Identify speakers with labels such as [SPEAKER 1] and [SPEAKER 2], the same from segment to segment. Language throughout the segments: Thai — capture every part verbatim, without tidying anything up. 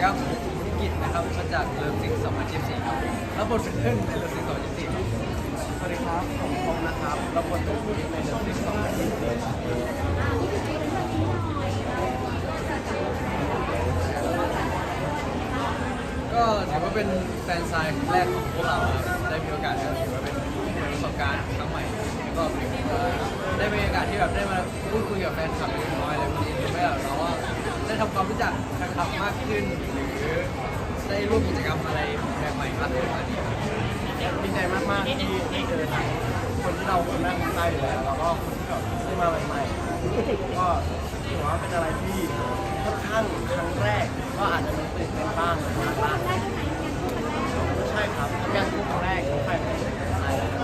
[SPEAKER 1] ครับผมธุรกิจนะครับมาจากเลิฟซิงสองพันยี่สิบสี่ครับแล้วบทเป็นเพื่อนในเลิฟซิงสองพันยี่สิบสี่สวัสดีครับผมพงษ์นะครับรับบทเป็นผู้ในเลิฟซิงสองพันยี่สิบสี่ก็ถือว่าเป็นแฟนไซน์แรกของพวกเราได้มีโอกาสถือว่าเป็นประสบการณ์ครั้งใหม่ก็ได้มีโอกาสที่แบบได้มาพูดคุยกับแฟนคลับเล็กน้อยอะไรพวกนี้ทำให้เราว่าได้ทำความรู้จักแฟนคลับมากขึ้นหรือได้ร่วมกิจกรรมอะไรแบบใหม่มากขึ้นอันนี้ดีใจมากๆที่ได้เจอทั้งคนที่เราคนแรกคนใต้อยู่แล้วแล้วก็คนที่แบบได้มาใหม่ๆก็ถือว่าเป็นอะไรที่ค่อนข้างครั้งแรกก็อาจจะมีตื่นเต้นบ้างมากบ้างใช่ครับงานคู่ครั้งแรกของแฟนไทยเลย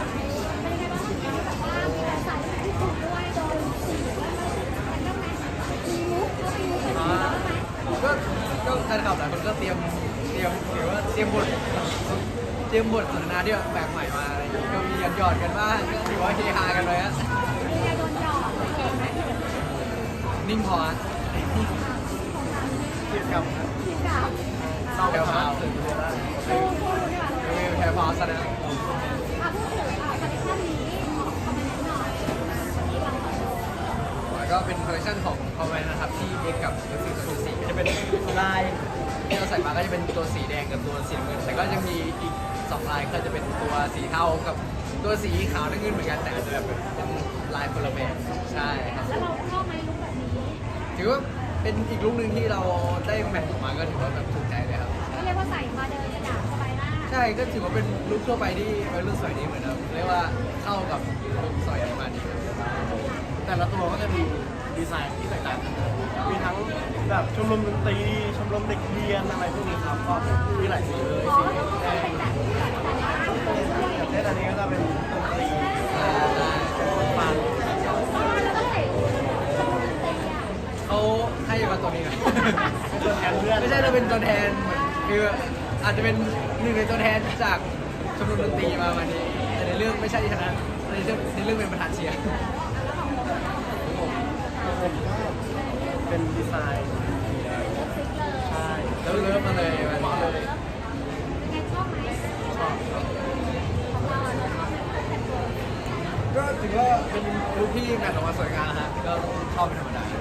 [SPEAKER 1] ก็ก็แฟนคลับหลายคนก็เตรียมเตรียมหรือว่าเตรียมบทเตรียมบทสนทนาที่แบบแปลกใหม่มาอะไรอย่างเงี้ยก็มีหยอดหยอดกันบ้างก็ถือว่าเฮฮากันเลยฮะนิ่งพอฮะเกี่ยวกับเศร้าแถวพาวตื่นเต้นแล้วแถวพาวซะนะก็เป็นคอลเลคชันของคอมเมนต์นะครับที่เอ็กกับเอฟซีศูนย์สี่ก็จะเป็นลายที่เราใส่มาก็จะเป็นตัวสีแดงกับตัวสีน้ำเงินแต่ก็ยังมีอีกสองลายก็จะเป็นตัวสีเทากับตัวสีขาวน้ำเงินเหมือนกันแต่อาจจะแบบเป็นลายคนละแบบใช่ครับแล้วเราชอบไหมลุคแบบนี้ถือว่าเป็นอีกลุคหนึ่งที่เราได้แมทออกมาก็ถือว่าแบบถูกใจเลยครับ
[SPEAKER 2] ก็เรียกว่าใส่มาเดินกระดาษสบายหน้า
[SPEAKER 1] ใช่ก็ถือว่าเป็นลุคทั่วไปที่วัยรุ่นสวยดีเหมือนกันเรียกว่าเข้ากับลุคสวยดีมาดีแต่ละตัวก็จะมีดีไซน์ที่แตกต่างกันมีทั้งแบบชมรมดนตรีชมรมเด็กเรียนอะไรพวกนี้ครับก็มีหลายสีเลยสีแดงอย่างเช่นอันนี้ก็จะเป็นดนตรีฟังเขาให้มาตัวนี้นะเป็นตัวแทนเพื่อนไม่ใช่เราเป็นตัวแทนคืออาจจะเป็นหนึ่งในตัวแทนจากชมรมดนตรีมาวันนี้แต่ในเรื่องไม่ใช่ชนะในเรื่องในเรื่องเป็นประธานเชียร์เป็นดีไซน์ใช่แล้วเริ่มมาเลยมาเลยชอบก็ถือว่าเป็นลุคที่แมทออกมาสวยงามนะฮะก็ชอบเป็นธรรมดา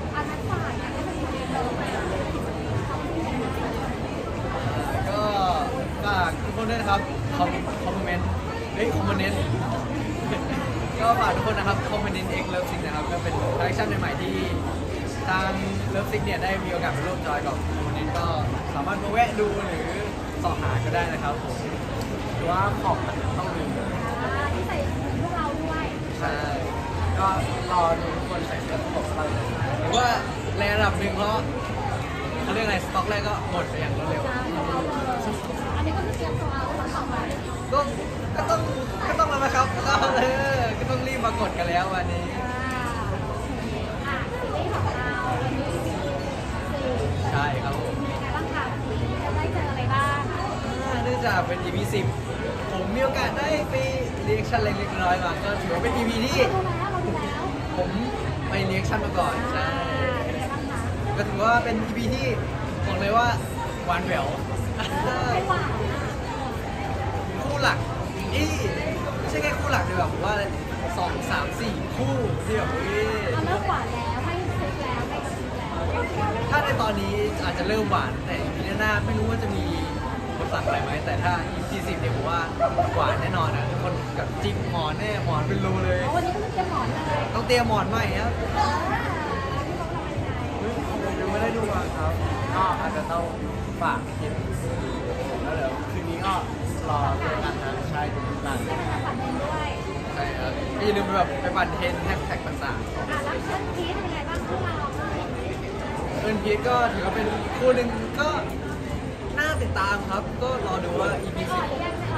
[SPEAKER 1] ก็ฝากทุกคนด้วยนะครับคอมคอมเมนต์เฮ้ยคอมเมนต์ก็ฝากทุกคนนะครับคอมเมนต์เอ็กเลิฟซิงนะครับก็เป็นคอลเลคชันใหม่ๆที่ทางเลิฟซิกเนี่ยได้มีโอกาสไปร่วมจอยกับคนนี้ก็สามารถมาแวะดูหรือสอบหาก็ได้นะครับผมหรือว่าของมันต้องมี
[SPEAKER 2] ที่ใส่พวกเราด้วย
[SPEAKER 1] ใช่ก็รอดูทุกคนใส่เสื้อของเราหรือว่าแรงระดับหนึ่งเพราะเขาเรียกอะไรสต็อกแรกก็หมดไปอย่างรวดเร็ว
[SPEAKER 2] อันนี้ก็คือเตรียมตัวเอาต่อไป
[SPEAKER 1] ก็ก็ต้องก็ต้องมาครับก็เออก็ต้องรีบมากดกันแล้ววันนี้ใช่ครับผม
[SPEAKER 2] ยังไงบ้างคะจะได้เจออะไรบ้าง
[SPEAKER 1] เนื่องจากเป็น อี พี สิบผมมีโอกาสได้ไปเรียกชั่นเล็กๆน้อยๆมาก็ถือว่าเป็น อี พี ที่ผมไปเรียกชั่นมาก่อนใช่ก็ถือว่าเป็น อี พี ที่บอกเลยว่าหวานแหววคู่หลักอีไม่ใช่แค่คู่หลักเลยแบบว่าสองสามสี่คู่ที่แบบเฮ้ย
[SPEAKER 2] เริ่มหวานแล้วไม่ซุกแล้วไม่กระซิบแล้ว
[SPEAKER 1] ถ้าในตอนนี้อาจจะเริ่มหวานแต่อีพีหน้าไม่รู้ว่าจะมีบทสักอะไรไหมแต่ถ้า อี พี สิบเนี่ยผมว่าหวานแน่นอนนะทุกคนกับจิกหมอนแน่หมอนเป็นรูเลย
[SPEAKER 2] วันนี้ต้องเตรียมหมอนเลย
[SPEAKER 1] ต้องเตรียมหมอนใหม่ครับยังไม่ได้ดูมาครับก็อาจจะต้องฝากคลิปแล้วเดี๋ยวคืนนี้ก็รอเจอกันนะใช่ทุกท่านใช่ครับอย่าลืมแบบไปปั่นเทรนแฮชแท็กต่าง
[SPEAKER 2] ๆอ่ะแล้วเชิญพีทเป็นไงบ้างพวกเรา
[SPEAKER 1] เชิญพีทก็ถือว่าเป็นคู่หนึ่งก็น่าติดตามครับก็รอดูว่า อี พี สิบ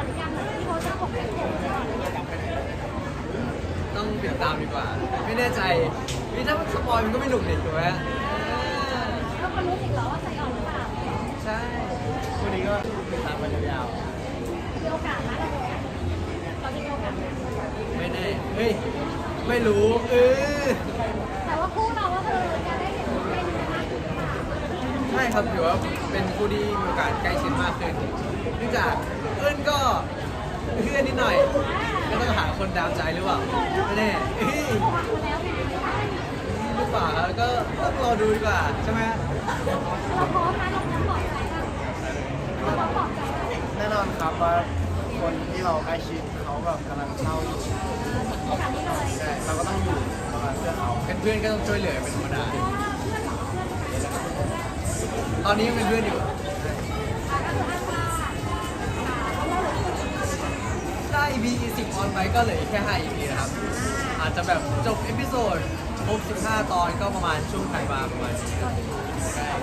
[SPEAKER 1] ต้องติดตามดีกว่าไม่แน่ใจนี่ถ้าสปอยมันก็ไม่หนุกเด็ดถูกไหม
[SPEAKER 2] ก็มารู้อีกเหรอว่าใส่ออกหรือเปล่า
[SPEAKER 1] ใช่วันนี้ก็ติดตามมายาว
[SPEAKER 2] ๆมีโอกาสนะเราจะมีโอกาส
[SPEAKER 1] ไม่แน่เฮ้ยไม่รู้เออ
[SPEAKER 2] แต่ว่าคู่เราก็คือจะได้เห็นเป็นมากขึ้น
[SPEAKER 1] ใช่ช่ครับถือว่าเป็นคู่ที่มีโอกาสใกล้ชิดมากขึ้นเนื่องจากเอิ้นก็เพื่อนนิดหน่อยก็ต้องหาคนดามใจหรือเปล่าไม่แน่เฮ้ย
[SPEAKER 2] บอกมาแล้วไง
[SPEAKER 1] หรือเปล่าครับก็ต้องรอดูดีกว่าใช่ไหม
[SPEAKER 2] เราพร้อมนะเราพร้อมบอกใจบ้างเราพร้อมบอกใจ
[SPEAKER 3] แน่นอนครับว่าคนที่เราใกล้ชิดเขาแบบกำลังเศร้าอยู่
[SPEAKER 2] ขนาดนี้เลย
[SPEAKER 3] ใช่เราก็ต้องอยู่ประมาณเพื่อเขา
[SPEAKER 1] เป็นเพื่อนก็ต้องช่วยเหลือเป็นธรรมดา
[SPEAKER 2] เพื่อนหรอเพื่อนใคร
[SPEAKER 1] ตอนนี้ยังเป็นเพื่อนอยู่
[SPEAKER 2] อ่ะก็คืออ้างว่าเขาเล่าเลย
[SPEAKER 1] ถ้า อี พี สิบออนไปก็เหลืออีกแค่ห้า อี พี นะครับ อาจจะแบบจบเอพิโซดครบสิบห้าตอนก็ประมาณช่วงไทยบาประมาณนี้ครับใช่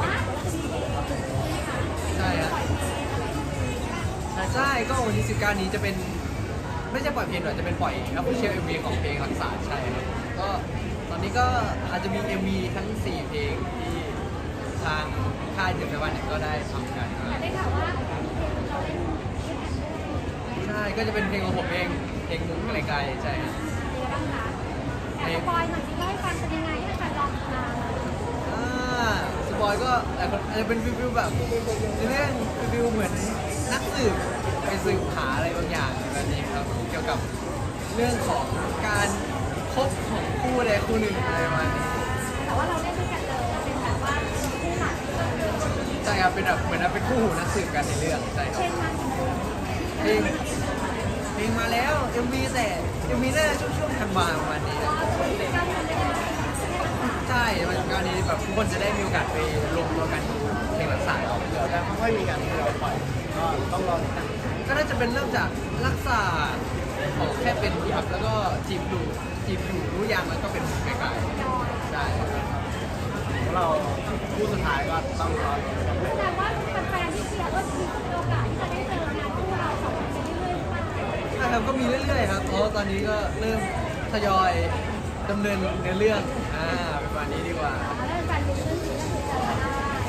[SPEAKER 1] ใช่ครับใช่ก็วันที่สิบเก้านี้จะเป็นไม่ใช่ปล่อยเพลงหรอกจะเป็นปล่อยครับเชียร์ เอ็ม วี ของเพลงรักษาใช่ครับก็ตอนนี้ก็อาจจะมี เอ็ม วี ทั้งสี่เพลงที่ทางค่ายเจ็ดแปดวันเนี่ยก็ได้ทำกันมา
[SPEAKER 2] แต่ได้ข่าวว่ามีเพลงเราเล่นด้วยกัน
[SPEAKER 1] ใช่ก็จะเป็นเพลงของผมเองเพลงมุ้งไกลๆใช่ครับ
[SPEAKER 2] เป็นยังไงบ้างคะแอบสปอยหน่อยสิว่าให้ฟังเป็นยังไงให้แฟนลองมา
[SPEAKER 1] อ่าสปอยก็หลายคนอาจจะเป็นฟิวๆแบบในเรื่องฟิวๆเหมือนนักสืบไปสืบหาอะไรบางอย่างแบบนี้ครับเกี่ยวกับเรื่องของการคบของคู่ใดคู่หนึ่งอะไรประมาณนี้
[SPEAKER 2] แต่ว่าเราเล่นด้วยกันเลยเป็นแบบว่าคู่หลัก
[SPEAKER 1] ใช่ครับเป็นแบบเหมือนเป็นคู่หูนักสืบกันในเรื่องใช่ครับ
[SPEAKER 2] เช่นมัน
[SPEAKER 1] เพลงเพลงมาแล้ว เอ็ม วี แต่ เอ็ม วี น่าจะช่วงช่วงธันวาประมาณนี้ครับ
[SPEAKER 2] การเล่นด้วยกัน
[SPEAKER 1] ใช่มันการนี้แบบทุกคนจะได้มีโอกาสไปรวมตัวกันดูเพลงรักษาเรา
[SPEAKER 3] เดี๋ยวจะค่อยๆมีการที่เราปล่อยก็ต้องรอติดตาม
[SPEAKER 1] ก็น่าจะเป็นเริ่มจากรักษาของแค่เป็นครับแล้วก็จีบดูจีบอยู่รู้ยังแล้วก็เป็นไกลๆใช่
[SPEAKER 3] แล้วเราคู่สุดท้ายก็ต้องรอติดตาม
[SPEAKER 2] แสดงว่าแฟนๆที่เชียร์ก็มีโอกาสที่จะได้เจองานคู่เราสองคนไปเรื่อยๆหรือเปล่า
[SPEAKER 1] ใช่ครับก็มีเรื่อยๆครับเพราะว่าตอนนี้ก็เริ่มทยอยดำเนินเนื้อเรื่องอ่าประมาณนี้ดีกว่า
[SPEAKER 2] แล้วแฟนๆดูเรื่องนี้ก็คือเจอได้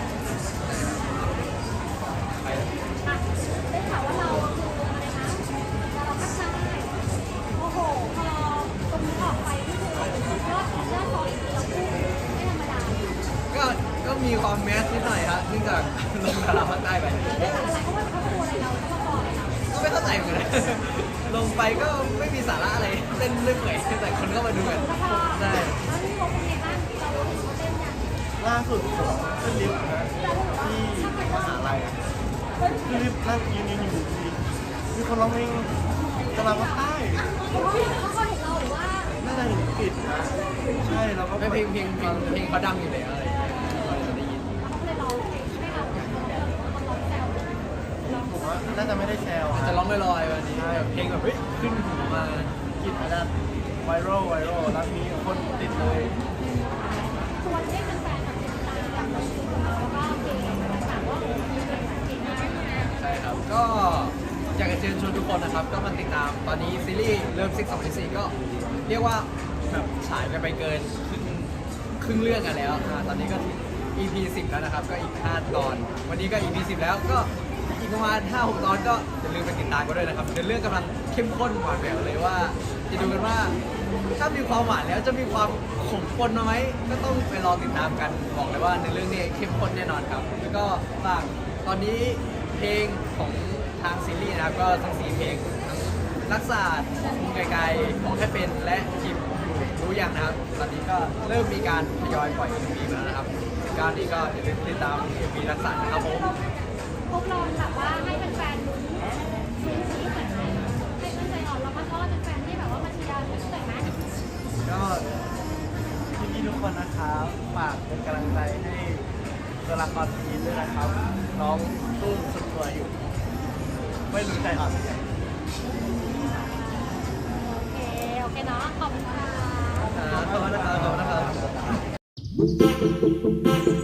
[SPEAKER 1] ไป
[SPEAKER 2] อ่ะได้ข่าวว่าเราคืออะไรนะเราพัฒนาโอ้โหพอตรงนี้ออกไปนี่คือยอดยอดฟอลเราคู่ไม่ธรรมดา
[SPEAKER 1] ก็ก็มีความแมสนิดหน่อยครับเนื่องจากลงดาราภาคใต้ไป
[SPEAKER 2] เรื่องอะไรเขาว่าเขาตัวอะไรเราเขาบอกอะไรเรา
[SPEAKER 1] ก็ไม่เข้าใจเหมือนกัน ลงไปก็ไม่มีสาระอะไรเต้นเรื่อยๆแต่คนก็มาดูกัน
[SPEAKER 2] แล้วพอ
[SPEAKER 1] ใช่
[SPEAKER 2] แล้วนี่เขาเป็นไงบ้างเราเห็นเขาเต้นอย่าง
[SPEAKER 3] ล่าสุดผมขึ้นลิฟต์นะที่มหาลัยขึ้นลิฟต์นั่งยืนยืนอยู่ดีมีคนร้องเพลงกำลังมาใต้
[SPEAKER 2] เขาเขาเห็นเราหรือว่า
[SPEAKER 3] น่าจะเห็นปิดนะใช่เราก็
[SPEAKER 1] ไม่เพลงเพลงเพลงเพลงเขาดังอยู่แล้วอะไรอย่างเงี้ยเราจะได้ยิน
[SPEAKER 2] เขาเลยร้องให้เราเขาร้องแซวร้อง
[SPEAKER 3] ผมว่าน่าจะไม่ได้แซว
[SPEAKER 1] อาจจะร้องลอยๆวันนี้แบบเพลงแบบเฮ้ยขึ้นหูมา
[SPEAKER 3] กินอาจจะไวรัลไวรัลแล้วมีคนติดเลย
[SPEAKER 2] ชวนให้แฟนๆแบบติดตามแล้วก็เพลงต่างๆว่าโอ้โหมีเพลงเก่งมาก
[SPEAKER 1] ใช่ครับ ก็อยากจะเชิญชวนทุกคนนะครับ ก็มาติดตามตอนนี้ซีรีส์เริ่มซิกสองพันสี่ก็เรียกว่าแบบฉายกันไปเกินครึ่งครึ่งเรื่องกันแล้วอ่าตอนนี้ก็ถึง อี พี สิบแล้วนะครับ ก็อีกห้าตอน วันนี้ก็ อี พี สิบแล้วก็อีกประมาณห้าหกตอนก็อย่าลืมไปติดตามกันด้วยนะครับเดี๋ยวเรื่องกำลังเข้มข้นหวานแหววเลยว่า จะดูกันว่า ถ้ามีความหวานแล้วจะมีความขมข้นมาไหมก็ต้องไปรอติดตามกันบอกเลยว่าในเรื่องนี้เข้มข้นแน่นอนครับ แล้วก็ฝากตอนนี้เพลงของทางซีรีส์นะครับก็ทั้งสี่เพลงทั้งรักษามุมไกลๆของแค่เป็นและจิบรู้อย่างนะครับ ตอนนี้ก็เริ่มมีการทยอยปล่อย เอ็ม วี มาแล้วนะครับสิบเก้านี้ก็อย่าลืมติดตาม เอ็ม วี รักษานะครับผม
[SPEAKER 2] พวกเราแบบว่าให้แฟนๆลุ้นลุ้นซีหน่อยไหมให้ตั้งใจอ่อนแล้วก็ต้อนแฟนๆที่แบบว่ามาเชียร์หน่อยไหม
[SPEAKER 3] ก็พี่ๆทุกคนนะครับฝากเป็นกำลังใจให้ตัวละครทีด้วยนะครับ น้องตู้สุดตัวอยู่ ไม่รู้ใจอ่อนเหมือนกัน
[SPEAKER 2] โอเค โอเคเนาะ ขอบคุณค่ะ
[SPEAKER 1] ขอบคุณนะครับขอบคุณนะครับ